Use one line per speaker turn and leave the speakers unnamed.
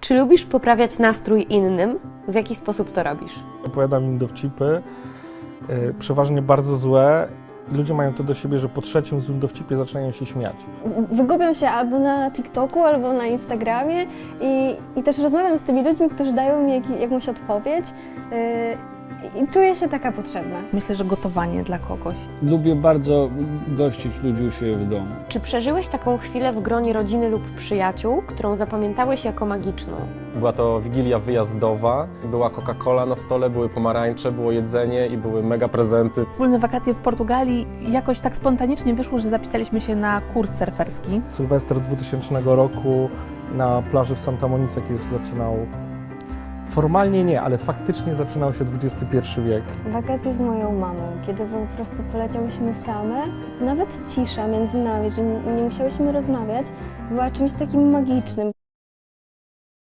Czy lubisz poprawiać nastrój innym? W jaki sposób to robisz?
Opowiadam im dowcipy, przeważnie bardzo złe, i ludzie mają to do siebie, że po trzecim złym dowcipie zaczynają się śmiać.
Wygubiam się albo na TikToku, albo na Instagramie i też rozmawiam z tymi ludźmi, którzy dają mi jakąś odpowiedź i czuję się taka potrzebna.
Myślę, że gotowanie dla kogoś.
Lubię bardzo gościć ludzi u siebie w domu.
Czy przeżyłeś taką chwilę w gronie rodziny lub przyjaciół, którą zapamiętałeś jako magiczną?
Była to wigilia wyjazdowa, była Coca-Cola na stole, były pomarańcze, było jedzenie i były mega prezenty.
Wspólne wakacje w Portugalii jakoś tak spontanicznie wyszło, że zapisaliśmy się na kurs surferski.
Sylwester 2000 roku na plaży w Santa Monice, kiedy się zaczynał. Formalnie nie, ale faktycznie zaczynał się XXI wiek.
Wakacje z moją mamą, kiedy po prostu poleciałyśmy same, nawet cisza między nami, że nie musiałyśmy rozmawiać, była czymś takim magicznym.